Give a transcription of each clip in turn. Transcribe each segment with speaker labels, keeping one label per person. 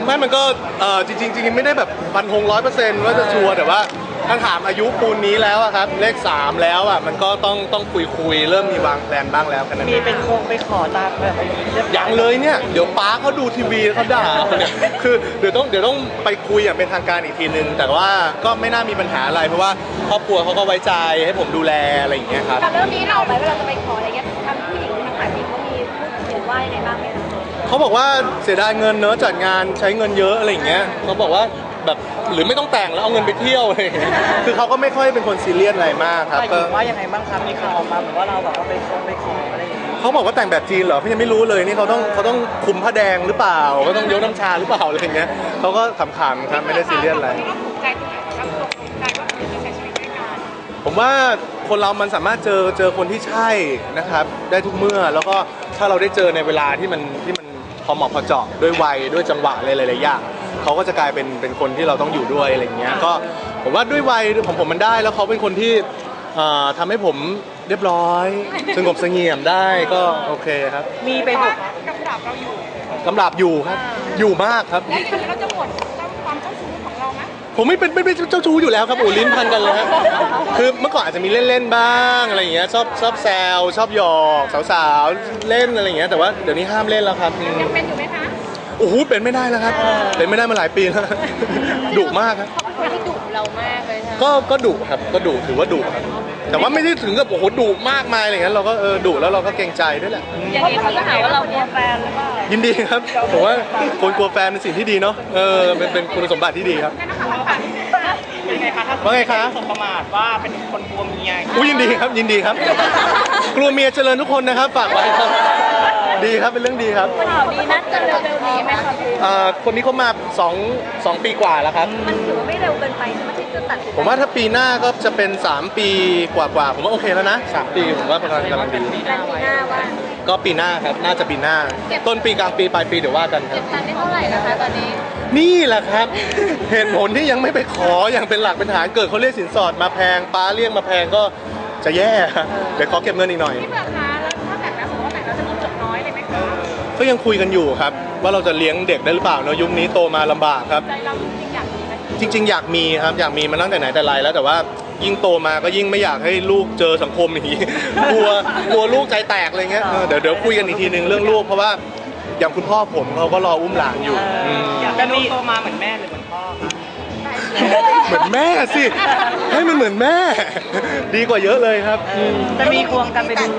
Speaker 1: ไม่มันก็จริงไม่ได้แบบฟันธง100%ว่าจะชัวร์แต่ว่าถ้าถามอายุปูนนี้แล้วอะครับเลข3แล้วอะมันก็ต้องคุยเริ่มมีวางแผนบ้างแล้วกันนะ
Speaker 2: มีเป็นคงไปขอตามแบบ
Speaker 1: อย่างเลยเนี่ยเดี๋ยวป้าเขาดูทีวีเขาด่าเนี่ยคือเดี๋ยวต้องไปคุยอย่างเป็นทางการอีกทีนึงแต่ว่าก็ไม่น่ามีปัญหาอะไรเพราะว่าครอบครัวเขาก็ไว้ใจให้ผมดูแลอะไรอย่างเงี้ยครับ
Speaker 3: กับเรื่องนี้เราไหมเวลาจะไปขออะไรเงี้ยทางผู้หญิงทางฝ่ายผู้หญิงเขามีพูดถึงว่ายังไงบ้างไหมคะ
Speaker 1: เขาบอกว่าเสียดายเงินเนอะจัดงานใช้เงินเยอะอะไรอย่างเงี้ยเขาบอกว่าแบบหรือไม่ต้องแต่งแล้วเอาเงินไปเที่ยวอะไรอย่างเงี้ยคือเขาก็ไม่ค่อยเป็นคนซีเรียสอะไรมากครับก็
Speaker 2: ว่ายังไงบ้างครับมีข่าวออกมาเหมือนว่าเราแบบว่าไปขออะไรอย่างเงี้ย
Speaker 1: เขาบอกว่าแต่งแบบจีนเหรอเขายังไม่รู้เลยนี่เขาต้องคุมผ้าแดงหรือเปล่าก็ต้องยกน้ำชาหรือเปล่าอะไรอย่างเงี้ยเขาก็ขำๆครับไม่ได้ซีเรียสอะไร
Speaker 3: ถูกใจตรงไหนครับตกใจว่าจะใช้ชีวิตด้วยกัน
Speaker 1: ผมว่าคนเรามันสามารถเจอคนที่ใช่นะครับได้ทุกเมื่อแล้วก็ถ้าเราได้เจอในเวลาที่มันพอเหมาะพอเจาะด้วยวัยด้วยจังหวะอะไรหลายๆอย่างเขาก็จะกลายเป็นคนที่เราต้องอยู่ด้วยอะไรอย่างเงี้ยก็ผมว่าด้วยวัยของผมมันได้แล้วเขาเป็นคนที่ทำให้ผมเรียบร้อยสงบเสงี่ยมได้ก็โอเคครับ
Speaker 2: มีไปบุก
Speaker 3: กำลับเราอยู่
Speaker 1: กำลับอยู่ครับอยู่มากครับ
Speaker 3: แล้วอย่างนี้เราจะหมดความเจ้าชู้ของเราไหม
Speaker 1: ผมไม่เป็นเจ้าชู้อยู่แล้วครับโอ้ลิ้นพันกันเลยครับคือเมื่อก่อนอาจจะมีเล่นบ้างอะไรอย่างเงี้ยชอบแซวชอบหยอกสาวๆเล่นอะไรอย่างเงี้ยแต่ว่าเดี๋ยวนี้ห้ามเล่นแล้วครับ
Speaker 3: ยังเป็นอยู่ไหมคะ
Speaker 1: โอ้โหเป็นไม่ได้แล้วครับเป็นไม่ได้มาหลายปีแล้วดุมากครับ
Speaker 3: เขาเป็นคนที่ดุเรามากเลยค่ะ
Speaker 1: ก็ดุครับก็ดุถือว่าดุครับแต่ว่าไม่ได้ถึงกับโอ้โหดุมากมายอะไรอย่างเงี้ยเราก็ดุแล้วเราก็เกรงใจด้วยแหละ
Speaker 3: อย่างนี้เขาจะหาว่าเรากลัวแฟนหรือเปล่า
Speaker 1: ยินดีครับผมว่าคนกลัวแฟนเป็นสิ่งที่ดีเนาะเป็นคุณสมบัติที่ดีครับ
Speaker 2: ยังไงคะถ้า
Speaker 1: ว่าไงคะ
Speaker 2: สมประมาทว่าเป็นคนกลัวเมีย
Speaker 1: ยินดีครับยินดีครับกลัวเมียเจริญทุกคนนะครับฝากไว้ครับดีครับเป็นเรื่องดีครับ
Speaker 3: ข่าวดีนัดจะเร็วๆนี้ไหมคะ
Speaker 1: คนนี้เขามา2ปีกว่าแล้วครับ
Speaker 3: มันถือว่าไม่เร็วเกินไปใช่ไหมที่จะตัดสิน
Speaker 1: ผมว่าถ้าปีหน้าก็จะเป็น3ปีกว่าผมว่าโอเคแล้วนะ3ปีผมว่าประมาณกำลังดี
Speaker 3: ปีหน้าว่า
Speaker 1: ก็ปีหน้าครับน่าจะปีหน้าต้นปีกลางปีปลายปีเดี๋ยวว่ากันครับ
Speaker 3: เก็บตังค์ได้เท่าไหร่นะคะตอนนี้
Speaker 1: นี่แหละครับเหตุผลที่ยังไม่ไปขออย่างเป็นหลักเป็นฐานเกิดเขาเรียกสินสอดมาแพงป้าเรียกมาแพงก็จะแย่เดี๋ยวขอเก็บเงินอีกหน่อย
Speaker 3: พี่เบิร์ดคะแล้วถ้าแต่งแล้วสมมติว่าแต่งแล้วจะมีจบน้อยเลยไหมคะ
Speaker 1: ก็ยังคุยกันอยู่ครับว่าเราจะเลี้ยงเด็กได้หรือเปล่าเนาะยุคนี้โตมาลำบากครับ
Speaker 3: ใจเราจริงอยากมีไหม
Speaker 1: จริงๆอยากมีครับอยากมีมาตั้งแต่ไหนแต่ไรแล้วแต่ว่ายิ่งโตมาก็ยิ่งไม่อยากให้ลูกเจอสังคมอย่างนี้กลัวลูกใจแตกอะไรเงี้ยเดี๋ยวคุยกันอีกทีนึงเรื่องลูกเพราะว่าอย่างคุณพ่อผมเขาก็รออุ้มหลานอยู่
Speaker 2: อยากให้ลูกโตมาเหมือนแม่หรือเหมือนพ่อครับ
Speaker 1: เหมือนแม่สิให้มันเหมือนแม่ดีกว่าเยอะเลยครับ
Speaker 2: จะมีควงกันไปดู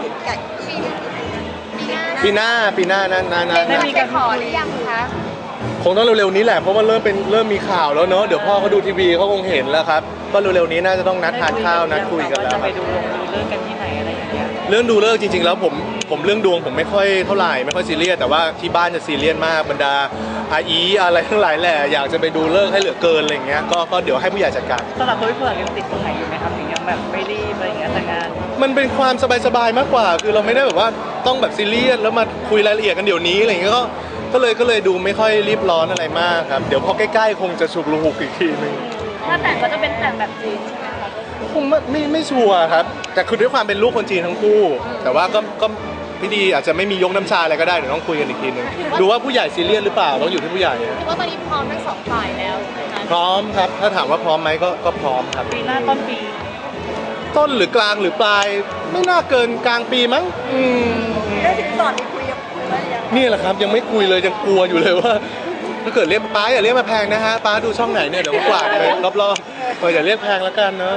Speaker 1: ปีหน้านั่น
Speaker 3: ได้มีการขอหรือยังคะ
Speaker 1: คงต้องเร็วๆนี้แหละเพราะว่าเริ่มมีข่าวแล้วเนอะเดี๋ยวพ่อเขาดูทีวีเขาคงเห็นแล้วครับก็เร็วๆนี้น่าจะต้องนัดทานข้าวนัดคุยกันแล้ว
Speaker 2: จะไปดูเรื่องกันที่ไหนอะไรอย่างเงี้ย
Speaker 1: เรื่องดูเลิกจริงๆแล้วผมเรื่องดวงผมไม่ค่อยเท่าไหร่ไม่ค่อยซีเรียสแต่ว่าที่บ้านจะซีเรียสมากบรรดาอาอีอะไรทั้งหลายแหละอยากจะไปดูเลิกให้เหลือเกินอะไรอย่างเงี้ยก็เดี๋ยวให้ผู้ใหญ่จัดการ
Speaker 2: สำหรับตัวพี่เผือกยังติดตรงไหนอยู่ไหมครับถึงยังแบบไม่รีบอะไรอย่างเงี้ยแต่งาน
Speaker 1: มันเป็นความสบายๆมากกว่าคือเราไม่ได้แบบว่าต้องแบบซีเรียสแล้วมาคุยรายละเอียดกันเดี๋ยวนี้อะไรอย่างเงี้ยก็เลยดูไม่ค่อยรีบร้อนอะไรมากครับเดี๋ยวพอใกล้ๆคงจะฉุกละหุกอีกทีนึง
Speaker 3: ถ้าแต่งก็จะเป็นแต่งแบบจีนใช่ไหมคะ
Speaker 1: คงไม่ชัวร์ครับแต่คือด้วยความเป็นลูกคนจีนทั้งคู่แต่ว่าก็พี่ดีอาจจะไม่มียกน้ำชาอะไรก็ได้เดี๋ยวต้องคุยกันอีกทีนึงดูว่าผู้ใหญ่ซีเรียสหรือเปล่าต้องอยู่ที่ผู้ใหญ่
Speaker 3: คิดว่าตอนนี้พร้อมทั้งสองฝ่ายแล้ว
Speaker 1: พร้อมครับถ้าถามว่าพร้อมไหมก็พร้อมครับ
Speaker 2: ปีหน้าต้นปี
Speaker 1: ต้นหรือกลางหรือปลายไม่น่าเกินกลางปีมั้ง
Speaker 3: ได้สินสอดนี่คุยว่ายัง
Speaker 1: นี่แหละครับยังไม่คุยเลยยังกลัวอยู่เลยว่าถ้าเกิดเรียกป้าอย่าเรียกมาแพงนะฮะป้าดูช่องไหนเนี่ยเดี๋ยวกวาดไปรอบๆอย่าเรียกแพงแล้วกันเนาะ